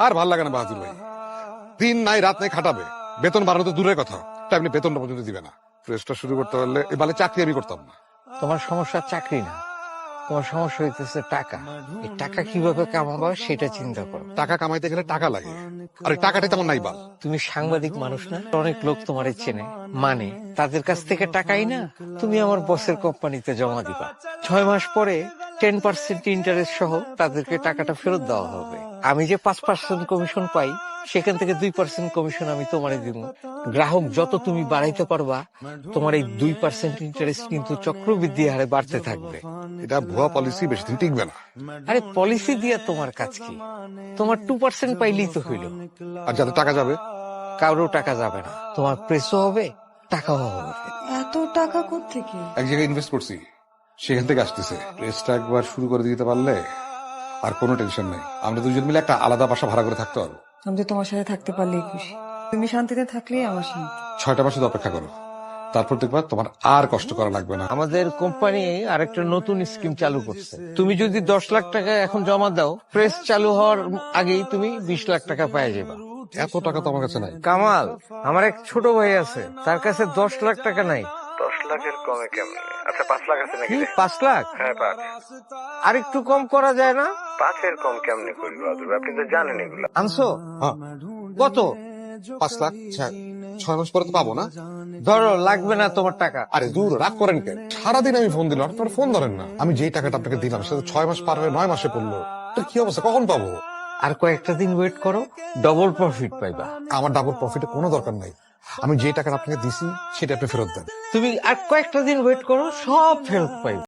আর ভাল লাগে না বাহাদুর ভাই, দিন নাই রাত নাই খাটাবে, বেতন বাড়ানো তো দূরের কথা, টাইমলি বেতনটা পর্যন্ত দিবে না। প্রেসটা শুরু করতে পারলে এই বালে চাকরি আমি করতাম না। তোমার সমস্যা চাকরি না, তোমার সমস্যা হইতেছে টাকা। এই টাকা কিভাবে কামাবো সেটা চিন্তা করো। টাকা কামাইতে গেলে টাকা লাগে, আর এই টাকাটাই তেমন নাই বাল। তুমি সাংবাদিক মানুষ না? অনেক লোক তোমার চেনে, মানে তাদের কাছ থেকে টাকাই না তুমি আমার বসের কোম্পানিতে জমা দিবা। 6 মাস পরে 10% ইন্টারেস্ট সহ তাদেরকে টাকাটা ফেরত দেওয়া হবে। আমি যে 5% কমিশন পাই, সেখান থেকে 2% কমিশন আমি তোমারে দিব। গ্রাহক যত তুমি বাড়াইতে পারবা, তোমার এই 2% ইন্টারেস্ট কিন্তু চক্রবৃদ্ধি হারে বাড়তে থাকবে। এটা ভুয়া পলিসি, বেশি দিন টিকবে না। আরে পলিসি দিয়া তোমার কাজ কি? তোমার 2% পাইলেই তো হইল। আর যাতে টাকা যাবে, কারো টাকা যাবে না, তোমার প্রেসও হবে, টাকাও হবে। এত টাকা কোত্থেকে? এক জায়গায় ইনভেস্ট করছি, সেখান থেকে আসতেছে। প্রেসটা একবার শুরু করে দিতে পারলে আর কোনো টেনশন নেই। আমরা দুজন মিলে একটা আলাদা বাসা ভাড়া করে থাকতে পারবো। আমি তো তোমার সাথে থাকতে পারলেই খুশি। তুমি শান্তিতে থাকলেই আমার শান্তি। 6টা মাস শুধু অপেক্ষা করো, তারপর দেখবা তোমার আর কষ্ট করা লাগবে না। আমাদের কোম্পানি আরেকটা নতুন স্কিম চালু করছে। তুমি যদি 10 লাখ টাকা এখন জমা দাও, প্রেস চালু হওয়ার আগেই তুমি 20 লাখ টাকা পেয়ে যাবা। এত টাকা তো আমার কাছে নাই। কামাল, আমার এক ছোট ভাই আছে, তার কাছে 10 লাখ টাকা নাই। 10 লাখের কমে কেমনে? আচ্ছা 5 লাখ আছে নাকি? কি 5 লাখ? হ্যাঁ 5। আর একটু কম করা যায় না? 5-এর কম কেমনে করবি বাদুর? আপনি তো জানেন এগুলো। আনছো? হ্যাঁ, কত? 5 লাখ। 6 মাস পরে তো পাবো না। ধরো, লাগবে না তোমার টাকা। আরে দূর, রাগ করেন কেন? সারাদিন আমি ফোন দিলাম, আপনার ফোন ধরেন না। আমি যেই টাকাটা আপনাকে দিলাম সেটা 6 মাস পার হয়ে 9 মাসে পড়লো। এটা কি অবস্থা, কখন পাবো? আর কয়েকটা দিন ওয়েট করো, ডবল প্রফিট পাইবা। আমার ডাবল প্রফিটে কোনো দরকার নাই। আমি যে টাকাটা আপনাকে দিছি সেটা আপনি ফেরত দেন। তুমি আর কয়েকটা দিন ওয়েট করো, সব ফেরত পাইবে।